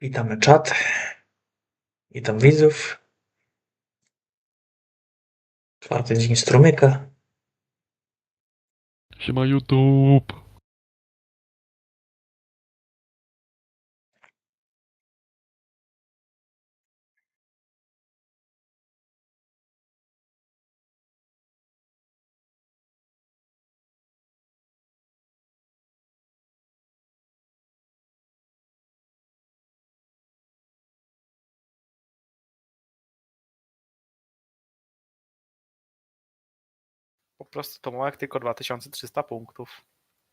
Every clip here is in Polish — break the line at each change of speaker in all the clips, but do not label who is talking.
Witamy czat. Witam widzów. Czwarty dzień strumyka.
Siema YouTube.
Po prostu Tomołek tylko 2300 punktów.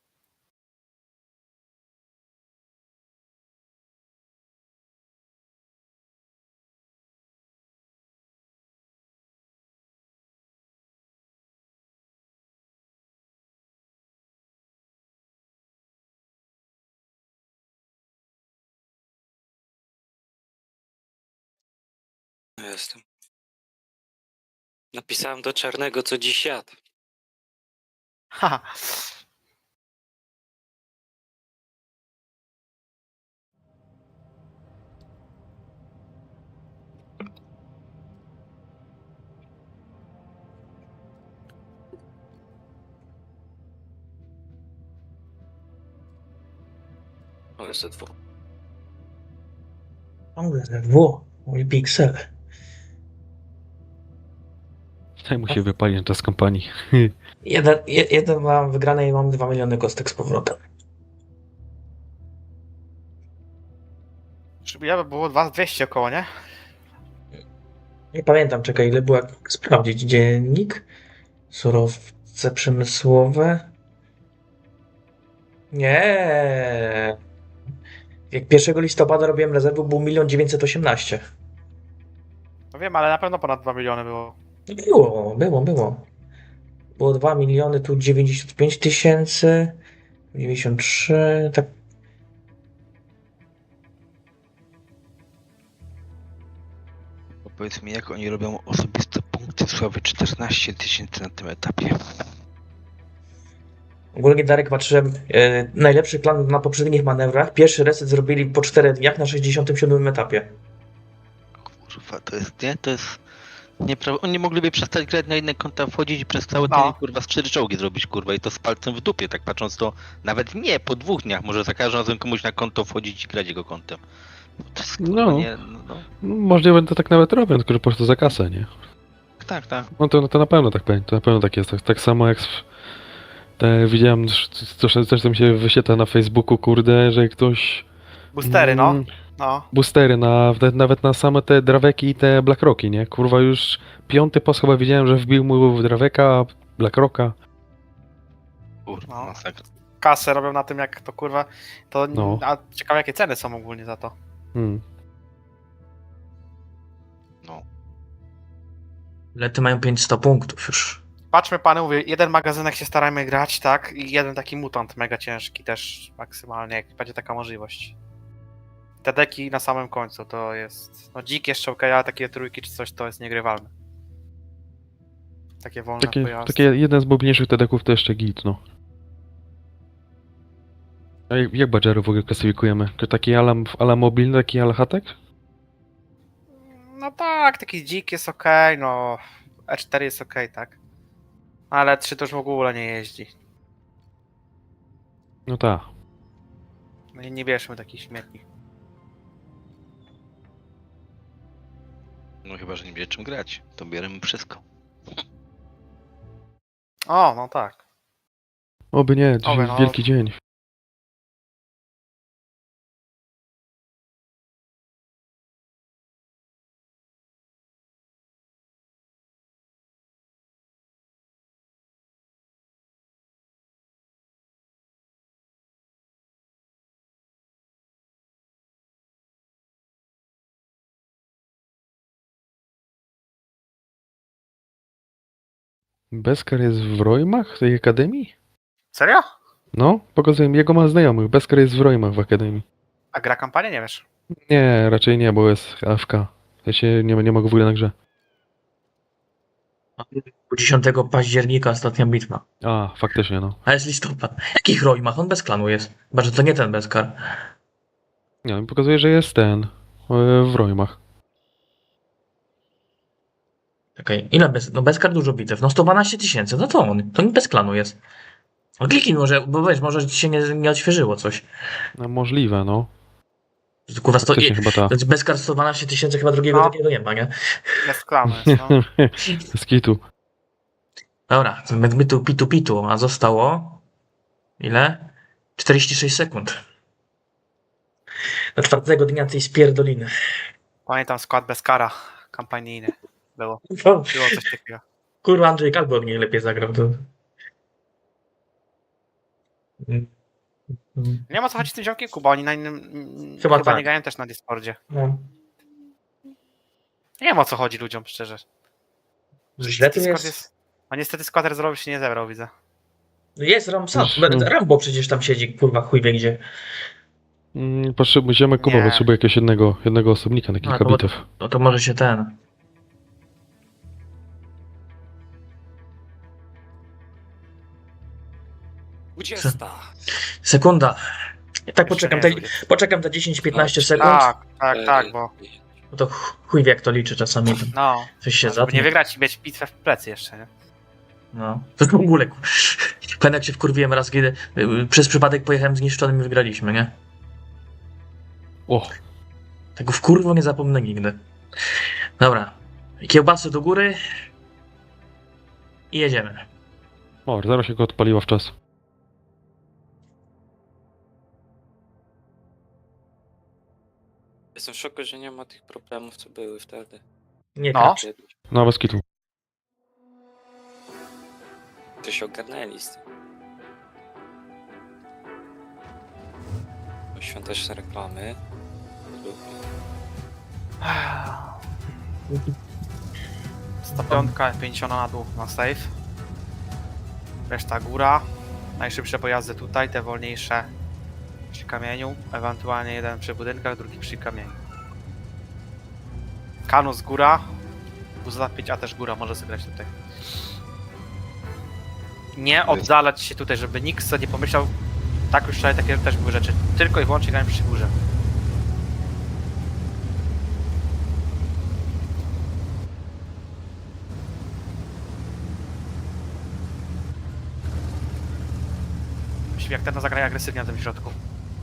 Jestem. Napisałem do Czarnego, co dziś jadł.
Haha.
OSW.
Ciągle ZW. Mój piksel.
Daj mu się wypalić czas kampanii.
Jeden mam wygrane i mam 2 miliony kostek z powrotem.
Żeby ja by było 2200 około, nie?
Nie pamiętam, czekaj, ile było, jak sprawdzić dziennik. Surowce przemysłowe. Nie. Jak 1 listopada robiłem rezerwę, był 1 918 000.
No wiem, ale na pewno ponad 2 miliony było.
Było. Było 2 miliony, tu 95 000, 93, tak.
Powiedz mi, jak oni robią osobiste punkty sławy 14 000 na tym etapie?
Ogólnie Darek patrzyłem, najlepszy plan na poprzednich manewrach. Pierwszy reset zrobili po 4 dniach na 67 etapie.
Kurwa, to jest, nie? To jest nieprawda. Oni mogliby przestać grać na inne konta, wchodzić i przez cały
No.
dzień, kurwa, z 4 czołgi zrobić, kurwa, i to z palcem w dupie, tak patrząc to, nawet nie, po 2 dniach, może za każdym razem komuś na konto wchodzić i grać jego kontem. To jest, kurwa,
No.
nie, no.
Możliwe to tak nawet robią, tylko że po prostu za kasę, nie?
Tak.
No to na pewno tak będzie, to na pewno tak jest. Tak samo jak widziałem, coś tam się wyświetla na Facebooku, kurde, że ktoś...
Boostery, no. No.
Boostery, nawet na same te Draweki i te Blackrocki, nie? Kurwa, już 5. post chyba widziałem, że wbił mu w Draweka, Blackrocka.
Kurwa,
No.
masakra.
Kasę robią na tym, jak to kurwa. To.
No.
A ciekawe, jakie ceny są ogólnie za to.
No.
Lety mają 500 punktów już.
Patrzmy, pany, mówię, jeden magazynek się starajmy grać, tak? I jeden taki mutant mega ciężki też maksymalnie, jak będzie taka możliwość. Te deki na samym końcu to jest. No dzik jeszcze okej, ale takie trójki czy coś to jest niegrywalne. Takie wolne pojazdy.
Takie jeden z bobniejszych tedeków to jeszcze git, no. A jak badżery w ogóle klasyfikujemy? To taki ala mobilny, taki ala hatek?
No tak, taki dzik jest okej, no E4 jest okej, tak. Ale 3 to już w ogóle nie jeździ.
No tak.
No i nie bierzmy takich śmietnik.
No chyba, że nie będzie czym grać, to bierzemy wszystko.
O, no tak.
Oby nie, dzisiaj
Oby,
jest
no.
wielki dzień. Beskar jest w Rojmach, w tej akademii?
Serio?
No, pokazuję, jego ma znajomych. Beskar jest w Rojmach w akademii.
A gra kampanię nie wiesz?
Nie, raczej nie, bo jest AFK. Ja się nie ma go w ogóle na grze.
10 października ostatnia bitwa.
A, faktycznie, no.
A jest listopad. Jakich Rojmach? On bez klanu jest. Chyba, że to nie ten Beskar.
Nie, mi pokazuje, że jest ten. W Rojmach.
Czekaj, ile bez... No Beskar dużo bitew. No 112 000, no to on. To nie bez klanu jest. No kliknij może, bo weź, może ci się nie odświeżyło coś.
No, możliwe, no.
Kurwa,
Faktycznie chyba ta.
Beskar 112 000, chyba drugiego
No.
takiego nie ma, nie?
Bez klanu jest, no.
Z kitu.
Dobra, my tu pitu, a zostało... Ile? 46 sekund. Do 4. dnia tej spierdoliny.
Pamiętam skład bez kara kampanijny. Było coś takiego.
Kurwa, Andrzej Kalbo od niej lepiej zagrał. To...
Nie ma co chodzić z tym ziomkiem Kuba, oni na innym...
Chyba
Chyba
tak.
nie grają też na Discordzie.
No.
Nie wiem o co chodzi ludziom, szczerze.
Źle to
Discord
jest.
A niestety skład zrobił się nie zebrał, widzę.
Jest Ramsat.
No.
Rambo przecież tam siedzi, kurwa, chuj wie gdzie.
Musimy Kuba
Nie.
potrzebuje jakiegoś jednego osobnika na kilka
to-
bitew.
No to może się ten. Sekunda. I tak
Jeszcze
poczekam te 10-15 sekund.
Tak, bo...
No to chuj wie jak to liczy czasami. To
No,
coś się
żeby
zatnie.
nie wygrać i mieć bitwę w plecy jeszcze, nie?
No. To w ogóle. Pamiętam jak się wkurwiłem raz, kiedy przez przypadek pojechałem zniszczonym i wygraliśmy, nie?
O,
Tego wkurwo nie zapomnę nigdy. Dobra. Kiełbasy do góry. I jedziemy.
zaraz się go odpaliła w czas.
Jestem w szoku, że nie ma tych problemów, co były wtedy.
Nie
No.
tak.
Kiedyś.
No, bez kitu.
To się ogarnęli z tym. Świąteczne reklamy. Lubię.
105, 50 na dół na safe. Reszta góra. Najszybsze pojazdy tutaj, te wolniejsze przy kamieniu. Ewentualnie jeden przy budynkach, drugi przy kamieniu. Kanus góra. Buza 5, a też góra może zagrać tutaj. Nie oddalać się tutaj, żeby nikt sobie nie pomyślał. Tak już wczoraj takie też były rzeczy. Tylko i wyłącznie grałem przy górze. Myślę, jak ten zagraje agresywnie na tym środku.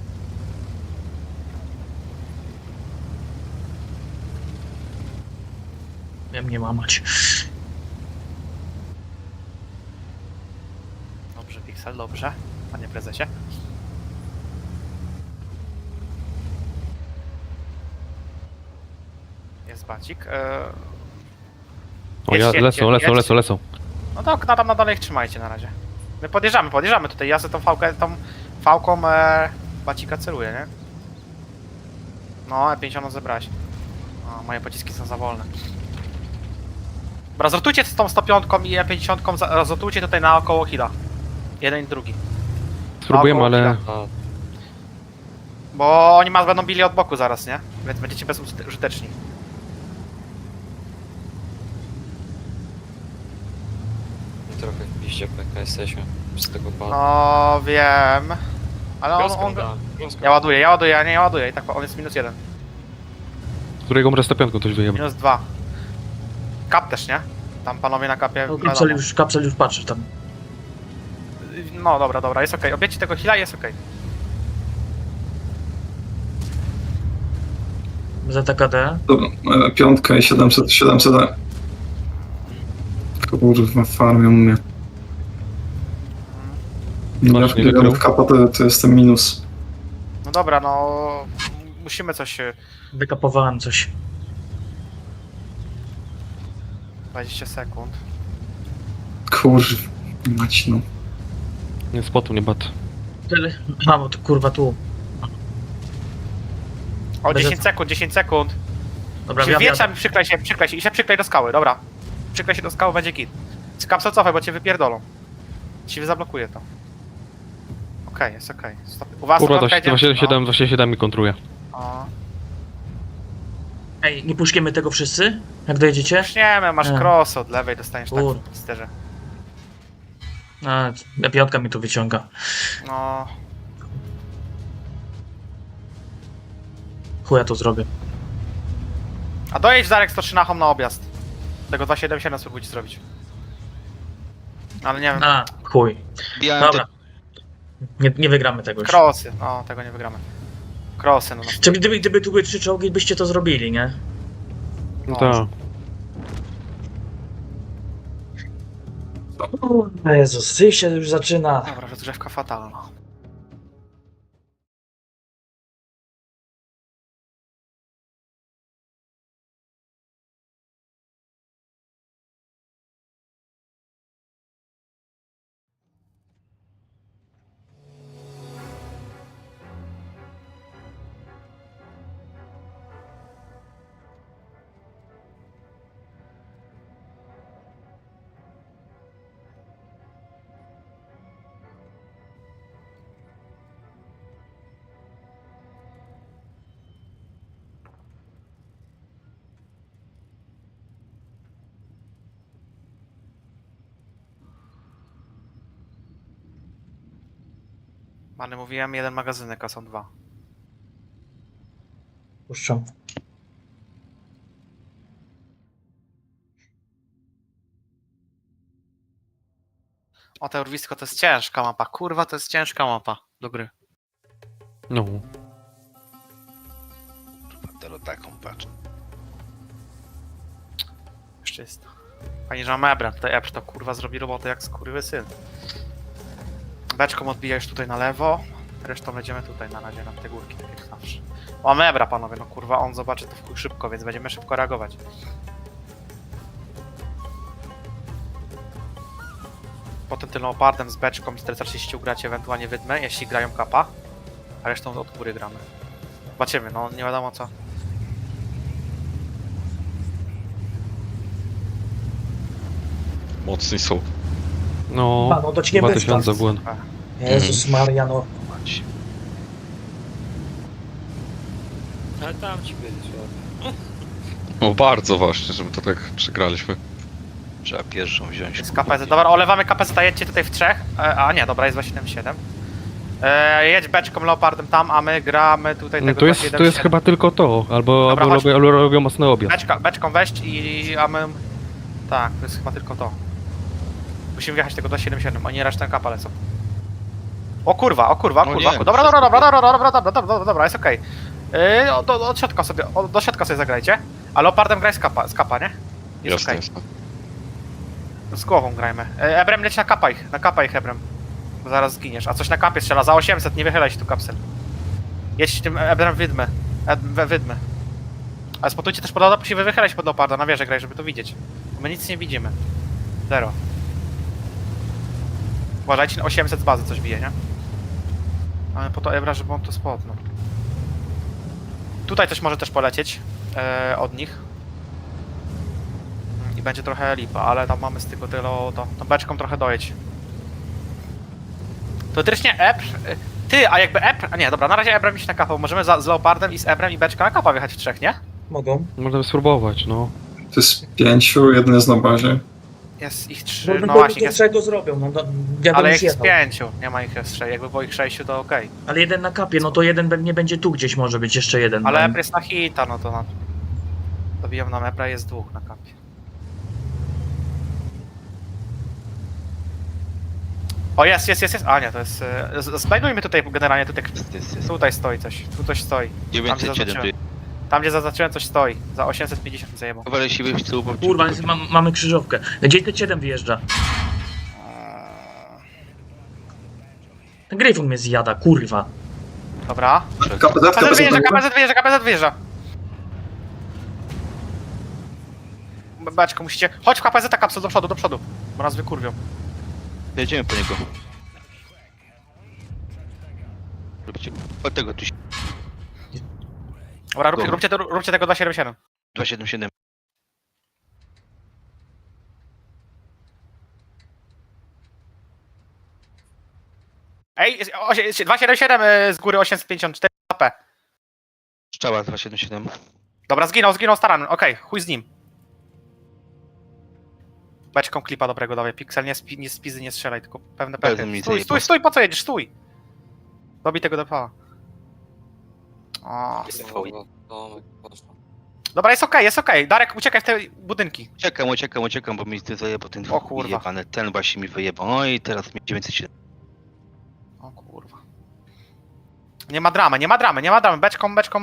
Wiem nie mamać.
Dobrze, Pixel, dobrze. Panie prezesie. Jest bacik.
O,
Jedźcie,
lecą.
No to tam na dole ich trzymajcie na razie. My podjeżdżamy tutaj. Ja sobie tą fałką bacika celuję, nie? No, E50 zebrałeś. O, moje pociski są za wolne. Dobra, zrotujcie z tą 105 i E50, rozrotujcie tutaj naokoło hila. Jeden i drugi.
Spróbujemy,
Naokoło
ale...
hila. Bo oni będą bili od boku zaraz, nie? Więc będziecie bezużyteczni.
Trochę w piździe PK jesteśmy z tego pala.
No, wiem. Ale on... Ja ładuję. I tak, on jest -1.
Z którego może 105 ktoś wyjebał.
-2. Kap też, nie? Tam panowie na kapie...
No,
wiadomo.
kapsel już patrzy tam.
No dobra, jest okej. Obiecie tego heala, jest okej.
ZKD.
Dobra, piątka i 700. Kurwa, farmią mnie.
Masz
Ja wpierdalam
wykrył?
w kapa, to jestem minus.
No dobra, no... Musimy coś...
Wykapowałem coś.
20 sekund.
Kurwa, mać no.
Nie, spotu nie bat.
Tyle. A, bo to kurwa tu.
O,
Bez-
10 sekund.
Dobra,
Się
ja
wieczam, przyklej się i się przyklej do skały, dobra. Przyklej się do skały, będzie kit. Kapsel cofaj, bo cię wypierdolą. Ci zablokuje to. Okej, jest okej. Stop. U was
Kurwa,
to okej,
277 mi kontruje.
O.
Ej, nie puszkiemy tego wszyscy? Jak dojedziecie?
Puszniemy, masz
Nie.
cross od lewej, dostaniesz tak
Kur-
w sterze.
A, piątka mi tu wyciąga.
No.
Chuja to zrobię.
A dojedź Darek 103 na home na objazd. Tego 277 spróbujcie zrobić. Ale nie wiem.
A, chuj.
Bijałem
Dobra. Nie wygramy tego już.
Crossy, no tego nie wygramy. Crossy, no.
Czy gdyby tu były 3 czołgi, byście to zrobili, nie?
No
No.
tak.
O Jezus, ty się już zaczyna.
Dobra, rozgrzewka fatalna. Ale mówiłem, jeden magazynek, a są dwa.
Puszczam.
O, te urwisko to jest ciężka mapa. Kurwa, to jest ciężka mapa do gry.
No.
Teraz taką, patrz.
Jeszcze jest. Fajnie, że mamy Ebrem. Tutaj Ebr to kurwa zrobi robotę jak skurwysyn. Beczką odbija już tutaj na lewo. Resztą będziemy tutaj na razie, na te górki, tak jak zawsze. Mamy Ebra, panowie, no kurwa, on zobaczy to w chuj szybko, więc będziemy szybko reagować. Potem tym Leopardem z beczką i 430 ugracie ewentualnie wydmę, jeśli grają kapa. A resztą od góry gramy. Zobaczymy, no nie wiadomo co.
Mocni są.
No.
No to ci nie
2000 błęd.
Jezus Maria, no.
Mać.
Ale tam ci będzie słabo.
No bardzo właśnie, żeby to tak przegraliśmy.
Trzeba pierwszą wziąć.
Jest KPZ. Dobra, olewamy KPZ, jedźcie tutaj w trzech. A nie, dobra, jest 277. Jedź beczką Leopardem tam, a my gramy tutaj
No
tego
to jest
277.
chyba tylko to. Albo,
Dobra,
albo,
chodź.
robią, albo robią mocny obiad.
Beczką weź a my... Tak, to jest chyba tylko to. Musimy wjechać tego 277, oni resztę kapa lecą. O kurwa, kurwa.
nie,
Dobra, jest okej. Od środka sobie, do środka sobie zagrajcie. A Leopardem graj z kapa, nie? Jest
Jasne,
okej.
jasne.
Z głową grajmy. Ebrem leć na kapa ich Ebrem. Bo zaraz zginiesz. A coś na kapie strzela, za 800, nie wychylaj się tu kapsel. Jedź tym Ebrem wydmy. Wydmy. Ale spotujcie też pod musimy wychylać pod Leoparda, na wieżę graj, żeby to widzieć. Bo my nic nie widzimy. Zero. Uważajcie, na 800 z bazy coś bije, nie? Ale po to Ebra, żeby on to spotnął. Tutaj coś może też polecieć od nich. I będzie trochę lipa, ale tam mamy z tego tylu, to beczką trochę dojedź. Teoretycznie Ebr... Ty, a jakby Ebr... A nie, dobra, na razie Ebrem iść na kapę. Możemy z Leopardem i z Ebrem i beczką na kapa wjechać w trzech, nie?
Mogą.
Możemy spróbować, no.
To jest 5, jeden jest na bazie.
Jest ich 3,
No
no właśnie,
to
jest...
czego zrobią, no ja
Ale
bym
ich jest
jechał.
5, nie ma ich jest 6. Jakby było ich 6, to okej.
Ale jeden na kapie, no to jeden nie będzie tu gdzieś może być, jeszcze jeden.
Ale
no.
Ebr jest na hita, no to na... Dobiją nam Ebra, jest dwóch na kapie. O, jest. A nie, to jest... Znajdujmy tutaj generalnie, tutaj stoi coś. Tu coś stoi.
907 tu jest.
Tam gdzie zaznaczyłem coś stoi. Za 850 mi zajebał.
Wolę się wyjść z tyłu, bo...
Kurwa, mamy krzyżówkę. Gdzie te 7 wyjeżdża? Gryfon mnie zjada, kurwa.
Dobra. KPZ wyjeżdża. Beczko, musicie... Chodź w KPZ kapsel do przodu. Bo nas wykurwią.
Jedziemy po niego. Od tego tu się...
Dobra, róbcie tego 277.
277.
Ej, 277 z góry 854 HP.
Strzała 277.
Dobra, zginął staranem. Okej, chuj z nim. Beczką klipa dobrego dawaj. Pixel, nie spizy, nie strzelaj, tylko pewne
Pewnie
pechy.
mi
Stój,
zajebał.
stój, po co jedziesz? Stój! Dobij tego DPA. O.
Domek, poszło.
Dobra, jest okej. Darek, uciekaj w te budynki.
Uciekam, bo mi ty zajebał ten
O kurwa.
wyjebany, ten właśnie mi wyjebał. No i teraz mi 907.
O kurwa. Nie ma dramy. Beczką.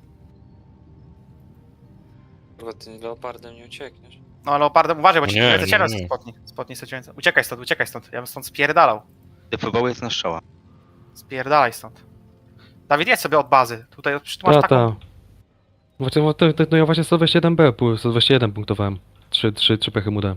Kurwa, ty leopardem nie uciekniesz.
No leopardem, uważaj, bo ci
Nie,
lecę
nie.
spotnij 109. Uciekaj stąd. Ja bym stąd spierdalał.
Defował jest na strzała.
Spierdalaj stąd. Dawid, jedź sobie od bazy. Tutaj tu masz taką...
Właśnie, no ja właśnie 121B, 121 punktowałem. 3 pechy mu dałem.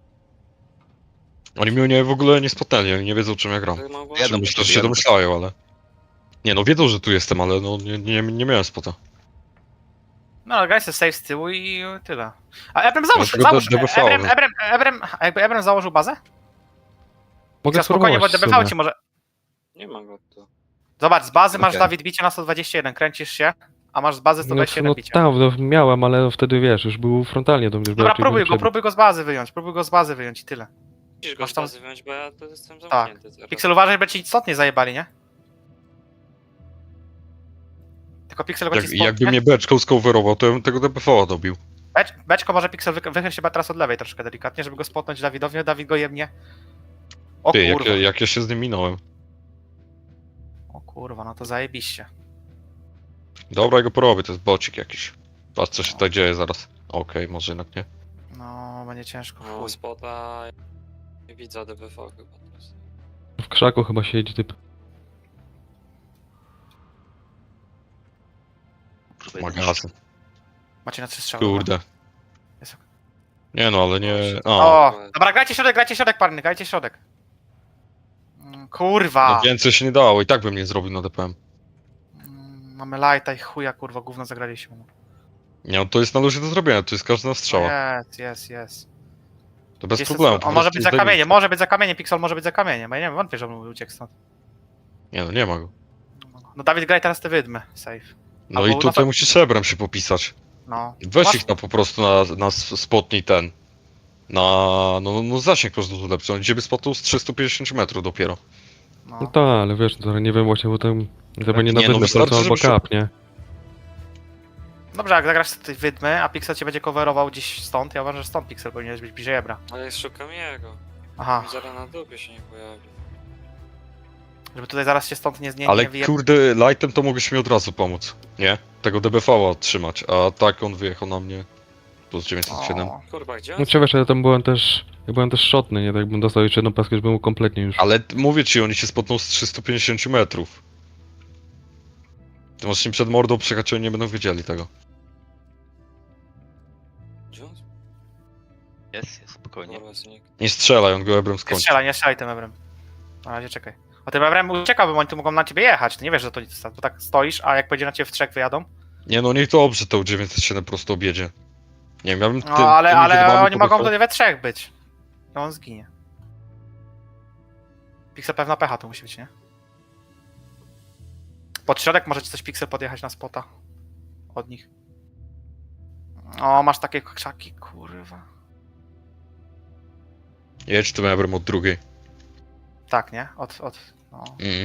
Oni mnie w ogóle nie spotnęli, oni nie wiedzą czym ja gram.
Tak mogło?
Jadą
Myślę,
do
że się
ciebie,
domyślają, ale... Nie no, wiedzą, że tu jestem, ale no nie miałem spota.
No, ale graj sobie safe z tyłu i tyle. A Ebrem załóż.
Dlatego DBV,
Ebrem założył bazę?
Mogę
Za spokojnie, bo
spróbować w
DBV
sumie.
ci może...
Nie ma go tu.
Zobacz, z bazy masz,
Okej.
Dawid, bicie na 121, kręcisz się, a masz z bazy 121
No
bicie.
tam, no, miałem, ale wtedy wiesz, już był frontalnie do mnie. już
Dobra,
raczej był
próbuj go z bazy wyjąć i tyle.
Musisz go
Masz tam-
z bazy wyjąć, bo ja tu jestem
Tak.
zamknięty teraz.
Pixel, uważaj, by ci istotnie zajebali, nie? Tylko Pixel go ci
Jakby
spotnie.
mnie beczką skowerował, to ja bym tego DPV-a dobił.
Beczko może Pixel wychyl się chyba teraz od lewej troszkę delikatnie, żeby go spotnąć Dawidowi, Dawid go jebnie. O
Ty,
kurwa.
jak ja się z nim minąłem.
O kurwa, no to zajebiście.
Dobra, ja go porobię, to jest bocik jakiś. Patrz co się tutaj dzieje zaraz. Okej, może jednak nie.
No, będzie ciężko.
No,
Chuj.
spota... Nie widzę DBV chyba teraz.
W krzaku chyba siedzi typ.
Magazyn.
Macie na 3 strzały.
Kurde.
Jest ok.
Nie no, ale nie... A,
O, dobra, grajcie środek, parny, grajcie środek. Kurwa.
no więcej się nie dało, i tak bym nie zrobił na DPM.
Mamy lighta i chuja, kurwa, gówno zagraliśmy.
Nie no, to jest na luzie do zrobienia, to jest każda strzała.
Jest.
To bez
Jest
problemu.
On
po
może
prostu
być za
zdejmij.
kamieniem, Pixel może być za kamieniem, bo ja nie wiem, wątpię, że on uciekł stąd.
Nie no, nie ma go.
No Dawid, graj teraz te wydmy, safe.
No
Albo
i
no
tutaj
to-
musisz Ebrem się popisać.
No.
Weź
Masz-
ich na po prostu na spotnij ten. No zasięg po prostu lepszy. On ciebie spotnął z 350 metrów dopiero.
No
No.
tak, ale wiesz, no, nie wiem właśnie, bo tam chyba nie na
Nie, no
wydmę
wystarczy,
albo
żeby się-
kap, nie?
Dobrze, jak zagrasz te wydmy, a Pixel cię będzie coverował gdzieś stąd, ja uważam, że stąd Pixel powinieneś być bliżej Ebra.
Ale szukam jego.
Aha,
Zaraz na dupie się nie pojawi.
żeby tutaj zaraz się stąd nie
Ale
wyje...
kurde, lightem to mogłeś mi od razu pomóc. Nie? Tego DBV-a trzymać, a tak on wyjechał na mnie. Plus 907.
O,
Kurwa, gdzie on?
No czy wiesz, ja tam byłem też szotny, nie? Tak bym dostał jeszcze jedną paskę, już bym był kompletnie już.
Ale mówię ci, oni się spotną z 350 metrów. Ty masz im przed mordą przyjechać, oni nie będą wiedzieli tego.
Gdzie on?
Jest, spokojnie.
Kurwa, znik.
Nie strzelaj, on go Ebrem
nie
skończy.
strzelaj tym Ebrem. Na razie czekaj. O tym Ebrem uciekałbym, oni tu mogą na ciebie jechać, ty nie wiesz, że to nic, to tak stoisz, a jak będzie na ciebie w trzech wyjadą?
Nie no, niech dobrze to 907 prosto objedzie. Nie wiem, ja bym
No ale
wydmami
oni mogą
podjechał.
wtedy we trzech być. I on zginie. Pixel pewna pecha to musi być, nie? Pod środek możecie coś Pixel podjechać na spota. Od nich. O, masz takie krzaki, kurwa.
Jedź tym Ebrem od drugiej.
Tak, nie? No.
Mhm.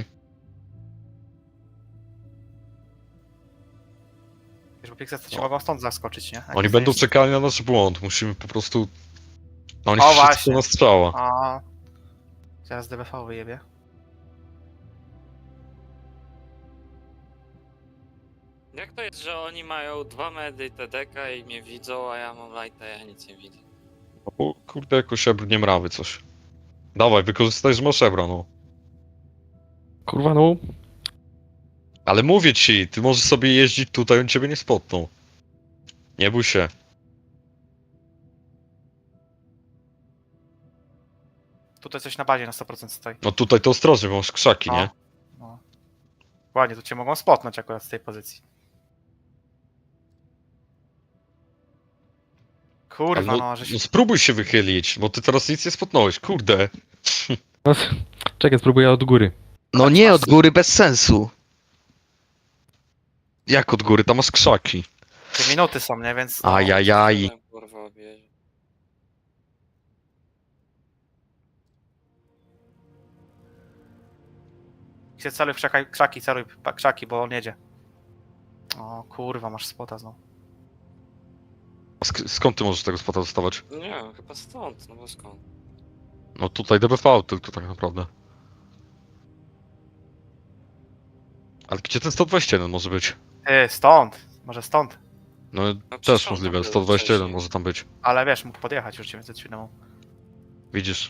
Wiesz, bo Pixel to ci
No.
mogą stąd zaskoczyć, nie? Jak
Oni
jest
będą
jeszcze-
czekali na nasz błąd, musimy po prostu... No oni
O,
wszystko
właśnie.
na strzała.
A. Zaraz DBV wyjebie.
Jak to jest, że oni mają 2 medy TDK i mnie widzą, a ja mam lighta, ja nic nie widzę.
O kurde, jakoś Ebr nie mrawy coś. Dawaj, wykorzystaj, że masz Ebra, no.
Kurwa, no.
Ale mówię ci, ty możesz sobie jeździć tutaj, on ciebie nie spotną. Nie bój się.
Tutaj coś na bazie na 100% stoi.
No tutaj to ostrożnie, bo masz krzaki, nie?
No. Ładnie, to cię mogą spotnąć akurat z tej pozycji. Kurwa,
Ale
no, żeś...
no spróbuj się wychylić, bo ty teraz nic nie spotnąłeś, kurde.
No, czekaj, spróbuję od góry.
No nie, od góry bez sensu.
Jak od góry, tam masz krzaki.
3 minuty są, nie? Więc...
Ajajaj.
Kurwa, objedzie.
Się celuj w krzaki, celuj krzaki, bo on jedzie. O kurwa, masz spota znowu.
A skąd ty możesz tego spota dostawać?
Nie wiem, chyba stąd, no bo skąd?
No tutaj DBV tylko tak naprawdę. Ale gdzie ten 121 może być?
Ty, stąd. Może stąd.
No
No, przecież
też
on
możliwe,
tam był
121
wcześniej.
może tam być.
Ale wiesz, mógł podjechać już 907.
Widzisz?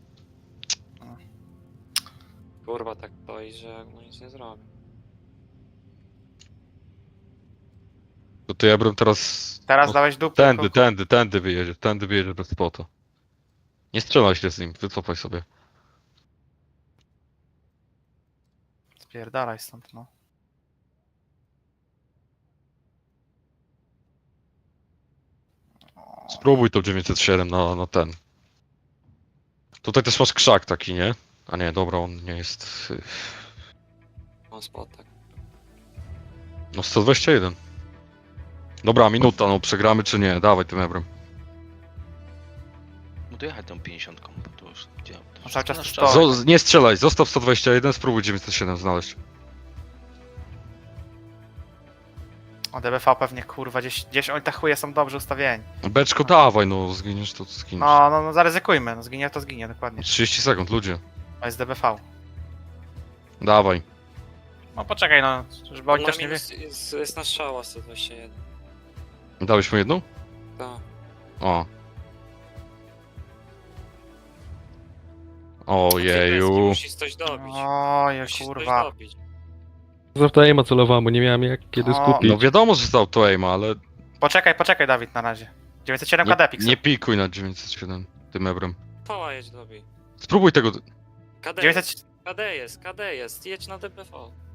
Kurwa, tak stoi, że no nic nie zrobię.
To ty ja bym teraz...
Teraz
no,
dałeś dupę.
tędy wyjedzie bez spota. Nie strzelaj się z nim, wycofaj sobie.
Spierdalaj stąd, no.
Spróbuj to 907 na ten. Tutaj też masz krzak taki, nie? A nie, dobra, on nie jest...
Mam spot, tak.
No 121. Dobra, minuta, no przegramy czy nie? Dawaj tym ebrem.
No to jechać tą 50, bo to już... Gdzie? To
No cały czas
nasz
to
czas.
Nie strzelaj, zostaw 121, spróbuj 907 znaleźć.
O DBV pewnie kurwa, gdzieś oni te chuje są dobrze ustawieni.
Beczko dawaj, no zginiesz to zginiesz.
No zaryzykujmy, no zginie to zginie, dokładnie.
30 sekund, ludzie.
To jest DBV.
Dawaj.
No poczekaj, no, żeby oni
Na
też nie wie.
minus jest na strzała 121.
Dałeś mu jedną?
Tak.
O.
Ojeju.
Ojeju.
Musisz coś dobić.
Oj,
Musisz
kurwa.
coś dobić.
Za aima celowałem, bo nie miałem jak kiedy
O,
skupić.
No wiadomo, że zdał to aima, ale
Poczekaj Dawid na razie. 907 KD Pixel.
nie pikuj na 907 tym ebrem.
Poła jedź dobij.
Spróbuj tego...
KD
900...
KD jest, jedź na DPV.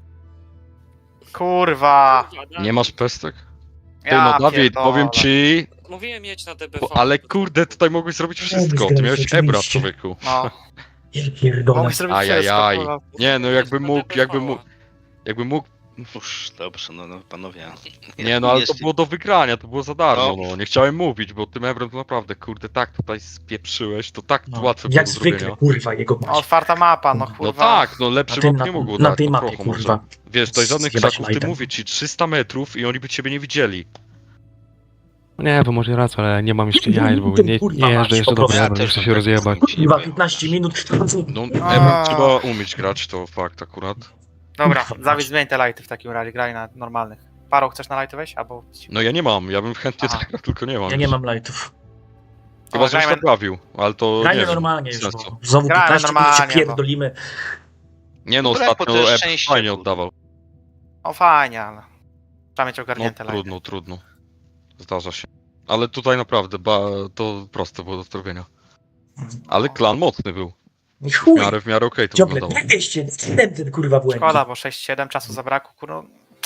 Kurwa.
Kurwa,
Nie
Dawid.
masz pestek? Ty
Ja
no Dawid,
pierdolę.
powiem ci...
Mówiłem jedź na DPV.
Ale kurde, tutaj mogłeś zrobić wszystko. Ty miałeś
Oczywiście.
ebra, człowieku.
No,
Ja pierdolę.
mogłeś zrobić wszystko,
Ajajaj.
kurwa.
Nie no, jakby
Jedź na
mógł,
DPV.
jakby mógł...
Uż, dobrze, no panowie.
Nie no, ale to
Jest-
było do wygrania, to było za darmo,
No.
no. Nie chciałem mówić, bo tym ebrem to naprawdę, kurde, tak tutaj spieprzyłeś, to tak
No,
łatwo było
jak
do
zwykle,
zrobienia.
kurwa, jego
No, otwarta mapa, no
No
kurwa.
tak, no lepszy map nie mogło
na
dać,
tej
no
mapie,
trochę może.
kurwa.
Wiesz, tutaj żadnych
Zjebać
krzaków, ty
lightem.
mówię ci, 300 metrów i oni by ciebie nie widzieli.
Nie, bo może raz, ale nie mam jeszcze jaj, bo nie
Kurwa,
jeżdżę
mać,
jeszcze
po
do
prostu.
Ebro, nie chcę się rozjebać.
Kurwa, 15 minut.
No,
A.
ebrem trzeba umieć grać, to fakt akurat.
Dobra,
Kurwa,
Dawid zmień te lighty w takim razie, graj na normalnych. Paro, chcesz na lighty wejść? Albo...
No ja nie mam, ja bym chętnie
Aha.
zagrał, tylko nie mam.
Ja nie
już.
mam lightów.
Chyba, żeś
grajmy-
naprawił, ale to nie
Grajmy
wiem.
normalnie już,
na
bo
co.
znowu
Grajmy
15 minut się
normalnie, bo-
pierdolimy.
Nie no,
No lekko, to
ostatnio
jest
Eb
szczęście,
fajnie
kurde.
oddawał.
O fajnie, ale... Trzeba mieć
No
ogarnięte lighty.
trudno. Zdarza się. Ale tutaj naprawdę, to proste było do zrobienia. Ale klan mocny był.
I chuj,
W miarę okej to
ciągle
wyglądało.
200, ten kurwa błędny.
Szkoda, bo 6-7 czasu zabrakło, kurwa.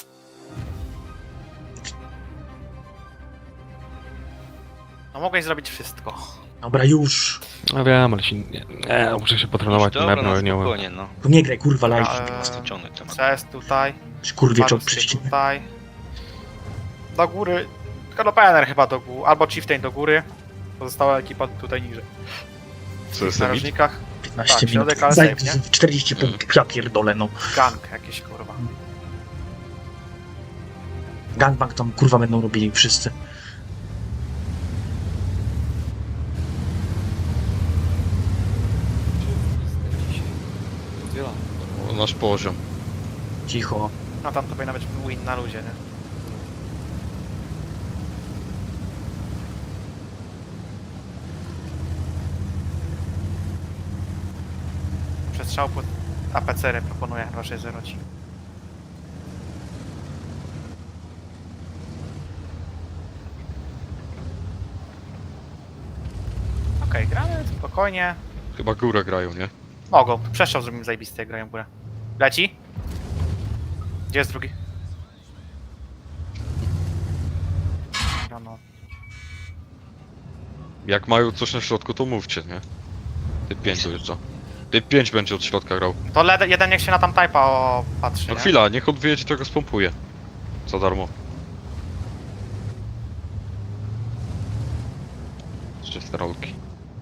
No mogłeś zrobić wszystko.
Dobra, już.
No wiem, ale się nie, muszę się potrenować tym
Dobra,
Ebro,
na
nie umiem.
spokojnie, no.
Tu nie graj kurwa
Dobra,
live.
Ciągnę temat.
CS tutaj,
Kurwie czołg
Varus
prześcig.
tutaj. Do góry. Kanopener chyba do góry, albo Chieftain do góry. Pozostała ekipa tutaj niżej.
Co jest
W
limit?
narożnikach
15
Tak,
minut.
środek, ale
Zaj-
safe, nie?
40 punktów, ja pierdolę, no.
gang jakieś kurwa.
Gangbang tam kurwa będą robili wszyscy.
O, nasz poziom.
Cicho.
No tam to powinna być win na luzie, nie? Przestrzał pod APCR proponuję chyba 6-0 ci. Okej, gramy spokojnie.
Chyba górę grają, nie?
Mogą. Przestrzał zrobimy zajebisty, jak grają w górę. Leci? Gdzie jest drugi? No.
Jak mają coś na środku, to mówcie, nie? Typ 5 dojeżdża. Typ 5 będzie od środka grał.
To jeden niech się na tam typa patrzy,
No
nie?
chwila, niech on wyjedzie, to go spompuje. Za darmo. Czyste rolki.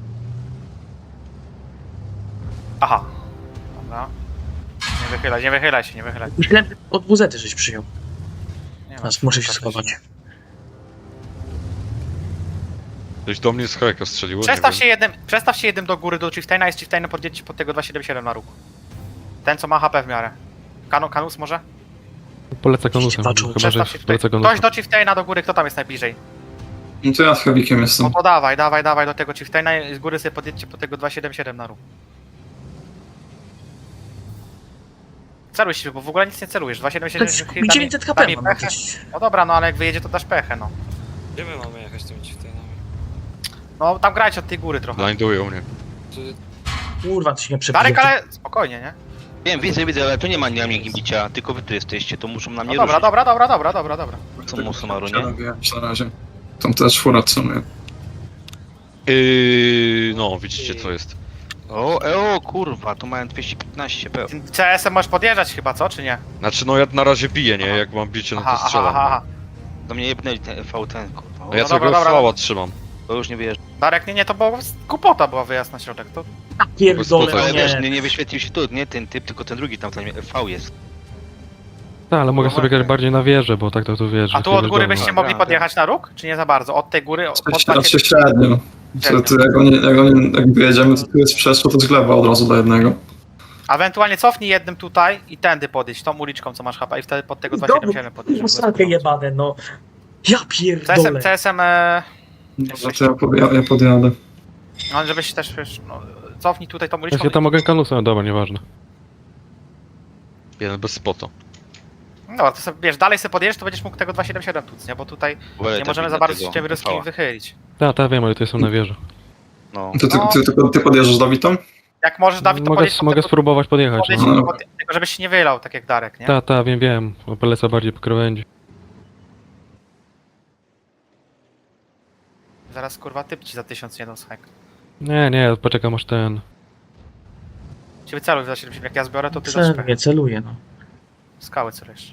Aha. Dobra. Nie wychylaj się, nie wychylaj.
Myślałem, że od WZ żeś przyjął.
Nie ma
Teraz muszę się
szukać.
schować.
Ktoś do mnie z heka strzeliło, nie wiem.
Przestaw się jednym do góry, do Chieftaina, jest Chieftainem, podjedźcie pod tego 277 na róg. Ten, co ma HP w miarę. Kanus może?
Polecę konusem,
Patrzą,
chyba że
Przestaw się tutaj.
polecę
Ktoś
konusem.
do Chieftaina do góry, kto tam jest najbliżej?
No to ja z Heavikiem
No
jestem.
to dawaj do tego Chieftaina i z góry sobie podjedźcie pod tego 277 na róg. Celuj się, bo w ogóle nic nie celujesz. 277
Mi 900 HP mam
pechę.
jakieś.
No dobra, no ale jak wyjedzie, to dasz pechę, no.
Gdzie my mamy jechać tymi chieftainami?
No tam grajcie od tej góry trochę.
Blindują mnie.
Kurwa, to się nie przebije.
Darek, ale spokojnie, nie?
Wiem, widzę, ale tu nie ma na mnie bicia, tylko wy tu jesteście, to muszą na
No
mnie
dobra,
ruszyć.
dobra.
Co muszą maru, nie?
Przerabiać na razie. Tam też fura cunuje.
No, widzicie co jest.
O kurwa, tu mają 215 peł.
Tym CS-em możesz podjeżdżać chyba, co, czy nie?
Znaczy no ja na razie biję, nie?
Aha.
Jak mam bicie, no to strzelam.
aha.
Do mnie jebnęli ten V10, kurwa.
No ja
No
tego
dobra, dobra.
fała trzymam.
To już nie wiesz.
Darek, nie, to było głupota była wyjazd na środek, to...
Pierdolę,
Ale
Ale
no
wiesz,
nie.
nie wyświetlił się tu, nie ten typ, tylko ten drugi tam, ten V jest.
Tak, ale mogę
No
sobie grać
właśnie.
bardziej na wieżę, bo tak to wiesz.
A
że
tu
ty
od
wiesz
góry
do mnie.
byście mogli podjechać na róg, czy nie za bardzo? Od tej góry, od
Raczej średnio. Jak wyjedziemy, to tu jest przeszło, to z gleba od razu do jednego.
A ewentualnie cofnij jednym tutaj i tędy podejść, tą uliczką, co masz HP i wtedy pod tego 277 podejść.
No strakę jebane, no. Ja pierdolę.
CSM,
Dobra, to ja podjadę.
no żebyś też, wiesz, no, cofnij tutaj tą
Ja
uliczką.
się tam mogę kanusem, dobra, nieważne.
Jeden bez spota.
No dobra, to sobie, wiesz, dalej sobie podjedziesz, to będziesz mógł tego 277 tuc, nie? Bo tutaj nie możemy za bardzo się tymi ruskimi wychylić.
Tak, wiem, ale to jestem na wieży.
No.
Ty podjeżdżasz Dawidem?
Jak możesz, Dawid, to podjedź pod
Mogę
tego,
spróbować podjechać.
podjedź
No.
pod tego, żebyś się nie wylał, tak jak Darek, nie?
Tak, wiem, bo polecę bardziej po krawędzi.
Zaraz, kurwa, typ ci za 1000 nie dał schek.
Nie, poczekam aż ten.
Ciebie celuj za 70, jak ja zbiorę, to ty dasz
Nie celuję, no.
skały celujesz.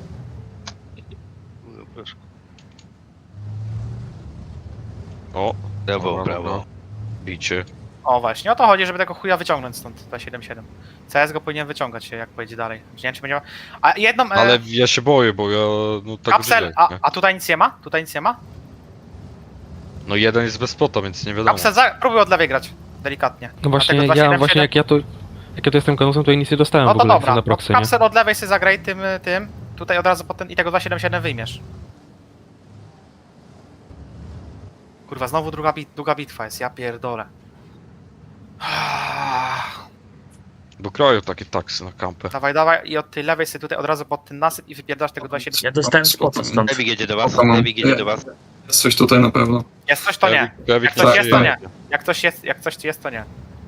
O,
Brawo,
dobra,
brawo.
dobra. Bicie.
O właśnie, o to chodzi, żeby tego chuja wyciągnąć stąd 277. CS go powinien wyciągać się, jak pojedzie dalej. Nie wiem, czy będzie... A jedną...
Ale ja się boję, bo ja no tak
kapsel,
żyję, nie?
a tutaj nic nie ma? Tutaj nic nie ma?
No jeden jest bez spota, więc nie wiadomo.
Kapsel, próbuj od lewej grać. Delikatnie.
No właśnie,
Dlatego
ja
277.
właśnie jak ja tu jestem kanusem, to ja nic nie dostałem
No
w
to
ogóle
dobra,
na
no
proxy, nie?
kapsel od lewej sobie zagraj tym. Tutaj od razu potem i tego 277 wyjmiesz. Kurwa, znowu długa bitwa jest, ja pierdolę.
Do kraju takie taksy na kampę.
Dawaj i od tej lewej sobie tutaj od razu pod ten nasyp i wypierdasz tego 277.
Ja dostałem spota stąd.
Dewik jedzie do was,
Spoko, mam.
Dewik jedzie do was.
Jest coś tutaj na pewno.
Jest coś, to nie.
Dewik
Jak coś jest, to
przeżyje.
nie. Jak coś jest, to nie.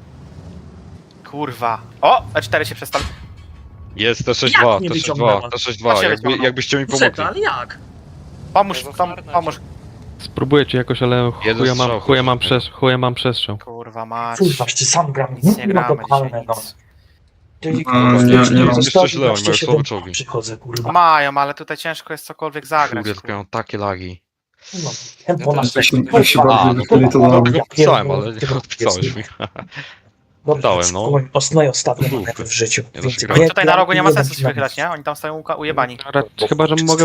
Kurwa. O! E4 się przestawi.
Jest
Jak
T62,
nie
T62,
wyciągnęła?
T62,
Właśnie
jakby,
wyciągnął.
jakbyście mi
Puseta,
pomogli.
ale jak?
Pomóż,
Jezu,
pomóż.
Spróbuję ci jakoś, ale
Jeden strzał,
chuja mam przestrzał.
Kurwa mać.
Kurwa, czy sam gram.
Nic nie
No
gramy
totalne,
dzisiaj,
no.
nic.
nie mam.
Jeszcze źle, oni mają słabe czołgi.
Przychodzę, kurwa.
Mają, ale tutaj ciężko jest cokolwiek zagrać.
Kurde, tylko ja mam takie lagi.
No, tempo na
Jak się
sekund.
bardziej wychyli, to
Kurwa,
dobrze.
Tego
ja
pisałem,
pierdolę,
ale nie
tego
odpisałeś
jest.
mi.
Dobrze,
dałem, no.
Ostatnie
Dupy.
manewry w życiu.
Nie da się
Więcej
grać.
Oni tutaj na rogu nie ma
jeden
sensu się wychylać, nie? Oni tam stoją ujebani.
Chyba, że mogę